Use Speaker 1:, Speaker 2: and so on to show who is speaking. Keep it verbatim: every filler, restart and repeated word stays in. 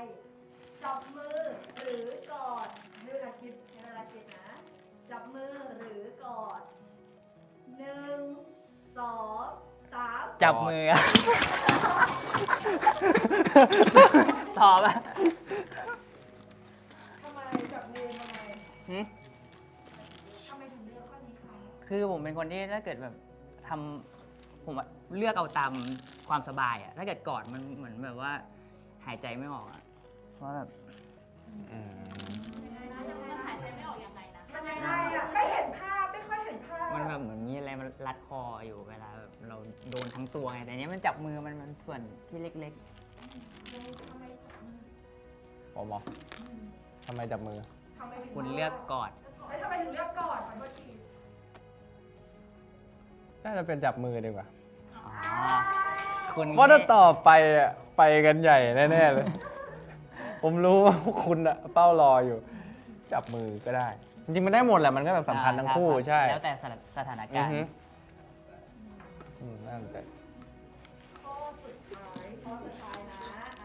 Speaker 1: จับมือหรือกอดให้เวลาคิดให้เวลาคิดนะ จับมือหรือกอดหนึ่งสองสาม
Speaker 2: จับมืออะตอบอะ
Speaker 1: ทำไมจับมือทำไม
Speaker 2: หึ
Speaker 1: ทำไมถึงเลือกข้อนี้คะ
Speaker 2: คือผมเป็นคนที่ถ้าเกิดแบบทำผมอะเลือกเอาตามความสบายอะถ้าเกิดกอดมันเหมือนแบบว่าหายใจไม่ออกอะเพราะแบบ
Speaker 3: อืม
Speaker 4: มันหายใจไม่ออกยังไงนะ
Speaker 1: มันยังไงอ่ะไม่เห็นภาพไม่ค่อยเห็นภาพ
Speaker 2: มันแบบเหมือนมีอะไรมันรัดคออยู่เวลาแบบเราโดนทั้งตัวไงแต่อันเนี้ยมันจับมือมันมันส่วนที่เล็ก
Speaker 1: ทำไมจับมือ
Speaker 3: ผมบอกทำไมจับมือ
Speaker 1: ทำไมถึง
Speaker 2: ๆ คุณเลือกกอด
Speaker 1: แล้วทำไมถึงเลือกก่อนขอโทษที
Speaker 3: น่าจะเป็นจับมือดีกว่า
Speaker 2: อ๋อ คุณ
Speaker 3: เพราะถ้าต่อไปอะไปกันใหญ่แน่ๆเลย ผมรู้ว่าพวกคุณอะเป้ารออยู่ จับมือก็ได้ จริงๆมันได้หมดแหละมันก็แบบสำคัญทั้งคู่
Speaker 2: รับ
Speaker 3: ใช่
Speaker 2: แล้วแต่สถาน
Speaker 3: อื
Speaker 2: กา
Speaker 3: อ
Speaker 2: รณ์
Speaker 3: ฮึอืมน่าสนใจ
Speaker 1: ข้อสุดท้ายข้อสุดท้ายนะ